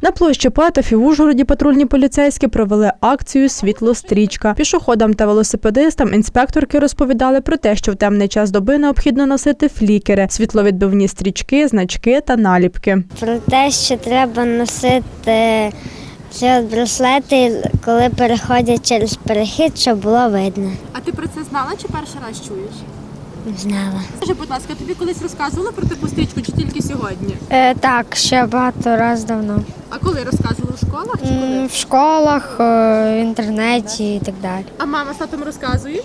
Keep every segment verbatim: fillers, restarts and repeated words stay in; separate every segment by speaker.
Speaker 1: На площі Поетів в Ужгороді патрульні поліцейські провели акцію «Світло-стрічка». Пішоходам та велосипедистам інспекторки розповідали про те, що в темний час доби необхідно носити флікери, світловідбивні стрічки, значки та наліпки.
Speaker 2: Про те, що треба носити ці от браслети, коли переходять через перехід, щоб було видно.
Speaker 3: А ти про це знала чи перший раз чуєш?
Speaker 2: Знала.
Speaker 3: Скажи, будь ласка, тобі колись розказували про таку стрічку чи тільки сьогодні?
Speaker 4: Е, так, ще багато разів давно.
Speaker 3: А коли розказували в школах чи коли?
Speaker 4: М, В школах, е, в інтернеті і так далі.
Speaker 3: А мама з татом розказують?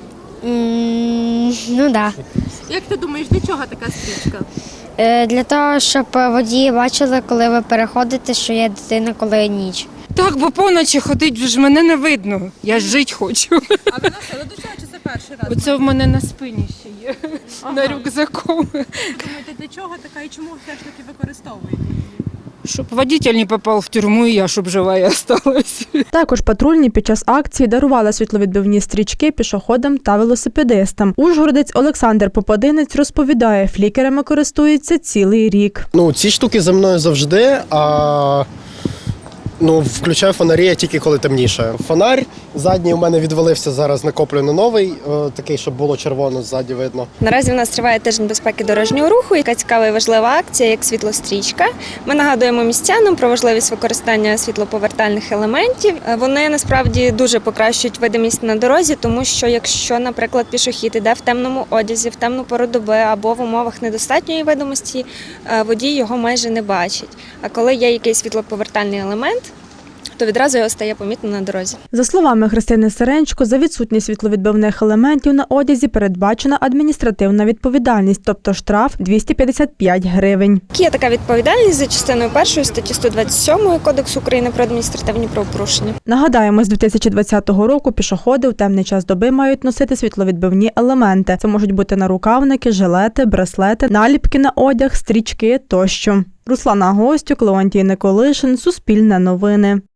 Speaker 4: М, Ну так. Да.
Speaker 3: Як ти думаєш, для чого така стрічка?
Speaker 4: Е, Для того, щоб водії бачили, коли ви переходите, що є дитина, коли ніч.
Speaker 5: Так, бо поночі ходить, ж мене не видно. Я ж жити хочу.
Speaker 3: А ви носили до цього чи це перший раз?
Speaker 5: Оце в мене на спині ще є,
Speaker 3: Ага.
Speaker 5: на рюкзаку.
Speaker 3: Ви думаєте, для чого така і чому все ж таки використовуєте її?
Speaker 5: Щоб водитель не попав в тюрму і я, щоб жива і осталась.
Speaker 1: Також патрульні під час акції дарували світловідбивні стрічки пішоходам та велосипедистам. Ужгородець Олександр Попадинець розповідає, флікерами користується цілий рік.
Speaker 6: Ну, ці штуки за мною завжди, а ну, включаю фонарі я тільки коли темніше. Фонарь задній у мене відвалився, зараз накоплю на новий, е, такий, щоб було червоно ззаді видно.
Speaker 7: Наразі в нас триває тиждень безпеки дорожнього руху, яка цікава і важлива акція, як світлострічка. Ми нагадуємо містянам про важливість використання світлоповертальних елементів. Вони насправді дуже покращують видимість на дорозі, тому що якщо, наприклад, пішохід іде в темному одязі, в темну пору доби або в умовах недостатньої видимості, водій його майже не бачить. А коли є якийсь світлоповертальний елемент, то відразу його стає помітно на дорозі.
Speaker 1: За словами Христини Сиренчко, за відсутність світловідбивних елементів на одязі передбачена адміністративна відповідальність, тобто штраф двісті п'ятдесят п'ять гривень.
Speaker 7: Є така відповідальність за частиною першої статті сто двадцять сьомої Кодексу України про адміністративні правопорушення.
Speaker 1: Нагадаємо, з дві тисячі двадцятого року пішоходи в темний час доби мають носити світловідбивні елементи. Це можуть бути нарукавники, жилети, браслети, наліпки на одяг, стрічки тощо. Руслана Гостюк, Леонтій Николишин, Суспільне новини.